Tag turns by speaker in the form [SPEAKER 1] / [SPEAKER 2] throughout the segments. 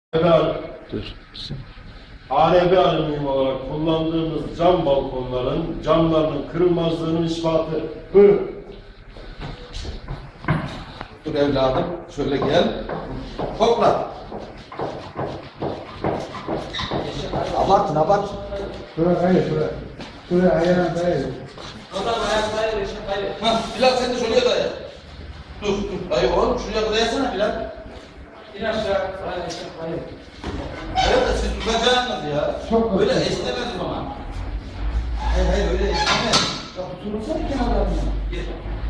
[SPEAKER 1] Dur.
[SPEAKER 2] ARB alüminyum olarak kullandığımız cam balkonların camlarının kırılmazlığının ispatı. Buyurun.
[SPEAKER 3] Dur evladım, şöyle gel. Topla. Abartın, abart.
[SPEAKER 4] Şuraya kayır, şuraya. Şuraya ayağına kayır.
[SPEAKER 5] Adam ayak kayır, eşek kayır.
[SPEAKER 3] Hah, Bilal sen de şuraya daya. Dur, dayı oğlum, şuraya dayasana Bilal.
[SPEAKER 5] İn aşağı, kayır, eşek kayır.
[SPEAKER 3] Evet de siz tutacaksınız ya.
[SPEAKER 4] Çok
[SPEAKER 3] Böyle
[SPEAKER 4] basit.
[SPEAKER 3] esnemez o zaman. Hayır, öyle esnemez. Ya tutursana kenarlarına. Gel.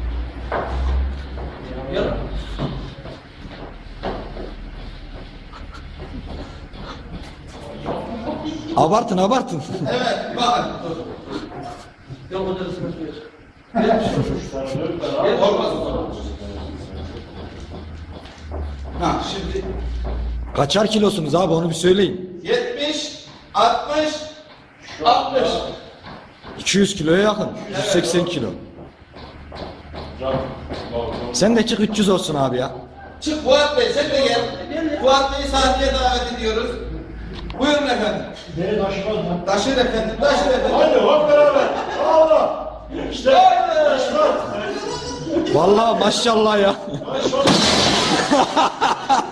[SPEAKER 3] Gel.
[SPEAKER 1] Abartın abartın.
[SPEAKER 3] Evet, bakın. Dur.
[SPEAKER 5] Yok odasına süreç.
[SPEAKER 3] Olmaz o zaman. Ha, şimdi
[SPEAKER 1] Kaçar kilosunuz abi onu bir söyleyin.
[SPEAKER 3] 70, 60, 60.
[SPEAKER 1] 200 kiloya yakın. 180 kilo.
[SPEAKER 2] Cam balkon.
[SPEAKER 1] Sen de çık 300 olsun abi ya.
[SPEAKER 3] Çık Fuat Bey, sen de gel. Fuat Bey'i sahneye davet ediyoruz. Buyurun efendim.
[SPEAKER 2] Beni taşımaz mı?
[SPEAKER 3] Taşır efendim, taşır efendim.
[SPEAKER 2] Hadi hop beraber. Allah. İşte taşımaz.
[SPEAKER 1] Vallahi maşallah ya.
[SPEAKER 2] Taşımaz.